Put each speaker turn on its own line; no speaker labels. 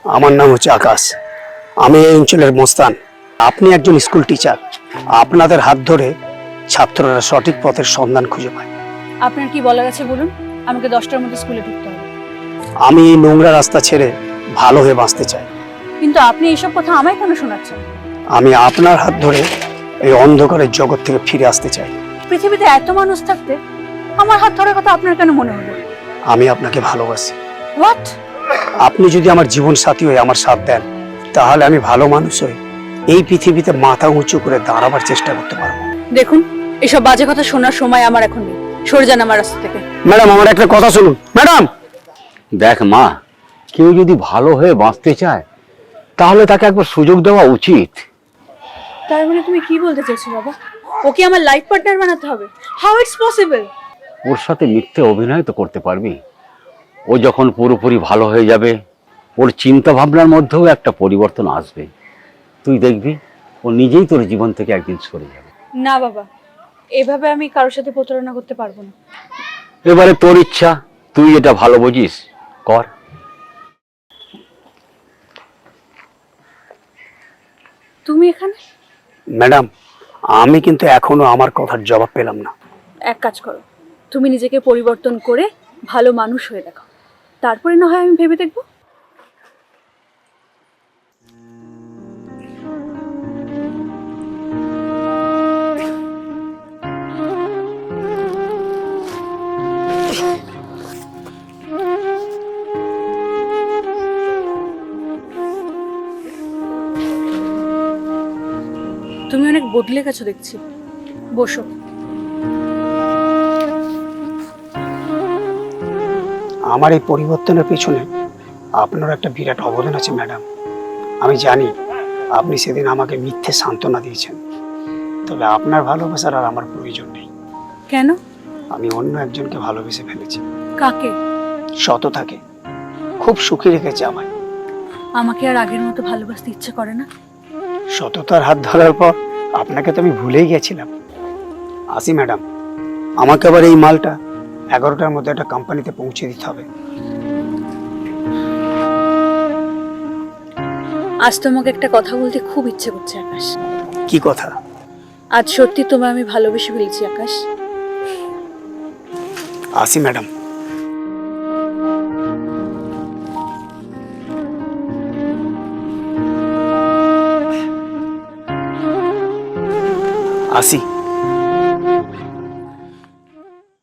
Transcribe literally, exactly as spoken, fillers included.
আমার নাম হচ্ছে আকাশ। আমি এই অঞ্চলের মোস্তান। আপনি একজন স্কুল টিচার। আপনাদের হাত ধরে ছাত্ররা সঠিক পথের সন্ধান খুঁজে পায়।
আপনার কি বলার আছে বলুন, আমাকে দশটার মধ্যে স্কুলে ঢুকতে হবে।
আমি এই নোংরা রাস্তা ছেড়ে ভালো হয়ে বাঁচতে চাই।
কিন্তু আপনি এইসব কথা আমায় কেন শোনাচ্ছেন?
আমি আপনার হাত ধরে এই অন্ধকারের জগৎ থেকে ফিরে আসতে চাই।
পৃথিবীতে এত মানুষ থাকতে আমার হাত ধরার কথা আপনার কেন মনে হলো?
আমি আপনাকে ভালোবাসি।
হোয়াট?
আপনি যদি আমার জীবন সাথী হয়ে আমার সাথ দেন, তাহলে আমি ভালো মানুষ হই এই পৃথিবীতে মাথা উঁচু করে দাঁড়াবার চেষ্টা করতে পারবো।
দেখুন, এসব বাজে কথা শোনার সময় আমার এখন নেই। সরে যান আমার রাস্তা থেকে।
ম্যাডাম, আমার একটা কথা শুনুন। ম্যাডাম,
দেখ মা, কেউ যদি ভালো হয়ে বাঁচতে চায় তাহলে তাকে একবার সুযোগ দেওয়া উচিত।
তার মানে তুমি কি বলতে চাইছো বাবা? ওকে আমার লাইফ পার্টনার বানাতে হবে? How it's possible?
ওর সাথে মিথ্যে অভিনয় তো করতে পারবি। ও যখন পুরোপুরি ভালো হয়ে যাবে, ওর চিন্তা ভাবনার মধ্যেও একটা পরিবর্তন আসবে। তুই দেখবি ও নিজেই তোর জীবন থেকে একদিন সরে যাবে।
না বাবা, এভাবে আমি কারোর সাথে প্রতারণা করতে পারবো না।
এবারে তোর ইচ্ছা, তুই এটা ভালো বুঝিস, কর।
তুমি এখানে?
ম্যাডাম, আমি কিন্তু এখনো আমার কথার জবাব পেলাম না।
এক কাজ করো, তুমি নিজেকে পরিবর্তন করে ভালো মানুষ হয়ে দেখো, তারপরে না হয় আমি ভেবে দেখবো। তুমি অনেক বদলে গেছো দেখছি। বসো।
আমার এই পরিবর্তনের পিছনে আপনার একটা বিরাট অবদান আছে ম্যাডাম। আমি জানি আপনি সেদিন আমাকে মিথ্যে সান্ত্বনা দিয়েছেন, তবে আপনার ভালোবাসার আর আমার প্রয়োজন নেই।
কেন?
আমি অন্য একজনকে ভালোবেসে ফেলেছি।
কাকে?
সততাকে। খুব সুখী রেখেছে আমায়।
আমাকে আর আগের মতো ভালোবাসতে ইচ্ছে করে না।
সততার হাত ধরার পর আপনাকে তো আমি ভুলেই গেছিলাম। আসি ম্যাডাম, আমাকে আবার এই মালটা এগারোটার মধ্যে একটা কোম্পানিতে পৌঁছে দিতে হবে।
আজ তোমাকে একটা কথা বলতে খুব ইচ্ছে করছে আকাশ।
কি কথা?
আজ সত্যি তোমায় আমি ভালোবেসে ফেলেছি আকাশ।
আসি ম্যাডাম। আসি।